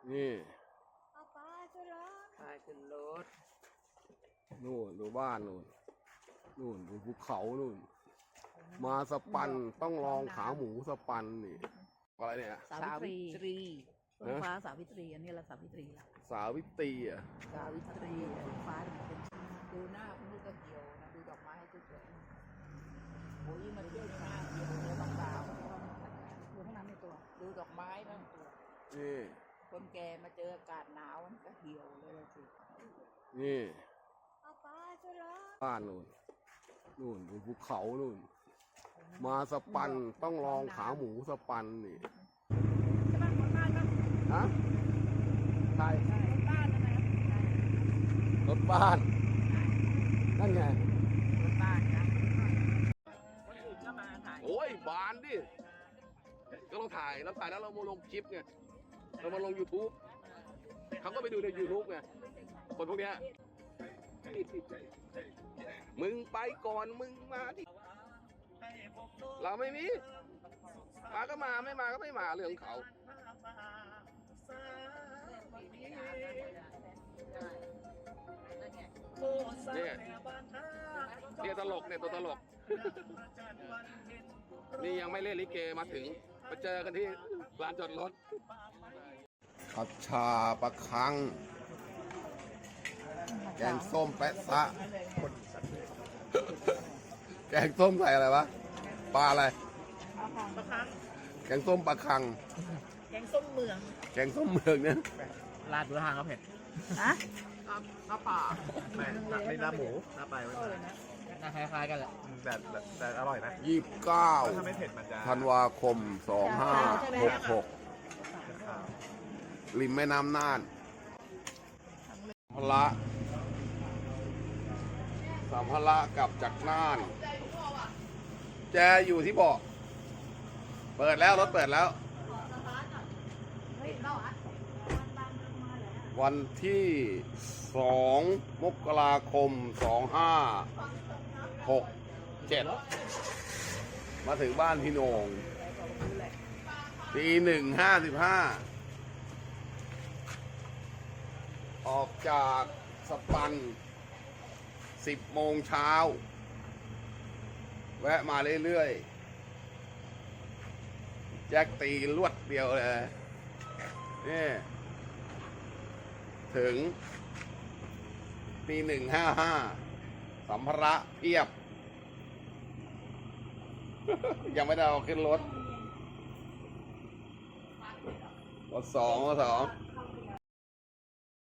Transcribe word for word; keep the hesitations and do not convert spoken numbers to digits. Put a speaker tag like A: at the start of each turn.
A: นี่
B: เอาปลาขึ้นรถ
C: พาขึ้นรถ
A: นู่นดูบ้านนู่นนู่นดูภูเขานู่นมาสปันต้องลองขาหมูสปันนี่อะไรเนี่ย
B: สาวิตรี
C: ตรี
B: ฝนฟ้าสาวิตรีอันนี้ละสาวิตรีละ
A: สาวิตรีอ่ะ
C: สาวิตรี
B: ฝนฟ้าเนี่ยเป็น
C: ดูหน้าคุณลูกก็เหี่ยวนะดูดอกไม้ให้สวยๆโอ้ยมันเที่ยวหน้าเหี่ยวเลยต้องสาว
B: อยู่ข้างในในตัว
C: ดูดอกไม้บ้างตัว
A: นี่
C: คนแก่มาเจออากาศหนาวมันก็เหี่ยวเลยล่ะสิ
A: นี่
B: เอาปลาขึ้นรถ
A: บ้านนู่นนู่นดูภูเขานู่นมาสปันต้องลองขาหมูสปันนี่
B: ใช่ไหมคนบ้านก็
A: ฮะใช่
B: คนบ้านนะ
A: รถบ้านนั่นไง
C: รถบ้านนะคนอื่นก็มาถ่าย
A: โอ้ยบานดิก็เราถ่ายเราถ่ายแล้วเรามาลงคลิปไงเรามาลง YouTube เขาก็ไปดูใน YouTube ไงคนพวกเนี้ยมึงไปก่อนมึงมาดิเราไม่มีมาก็มาไม่มาก็ไม่มาเรื่องของเขาเนี่ยเนี่ยตลกเนี่ยตัวตลก นี่ยังไม่เล่นลิเกมาถึงมาเจอกันที่ลานจอดรถผัดชาปลาคัง แกงส้มแปะซะ แกงส้มใส่อะไรวะ ปลาอะไร แกงส้มปลาคัง
C: แกงส้มเมือง
A: แกงส้มเมืองเนี่ย
D: ลาดดูทางก็เผ็ด
B: ฮะ
C: ข้าวป่า
D: ไม่ไม่ลาบหมูลาบไปไม่เป็นไรน่าคล้ายๆกันแหละแต่แต่แต่อร่อยนะ
A: ยี่สิบเก้า
D: ถ้าไม่เผ็ดมันจะ
A: ธันวาคมสองห้าหกหกริมแม่น้ำน่านพละสัมภาระกลับจากน่าน แจอยู่ที่เบาะเปิดแล้วรถเปิดแล้ว วันที่สองมกราคมสองห้าหกเจ็ดมาถึงบ้านพี่โหน่งตีหนึ่งห้าสิบห้าออกจากสปันสิบโมงเช้าแวะมาเรื่อยๆแจ็คตีลวดเดียวเลยนี่ถึงตีหนึ่งห้าห้าสัมภาระเพียบ ยังไม่ได้เอาขึ้นรถรถสองรถสอง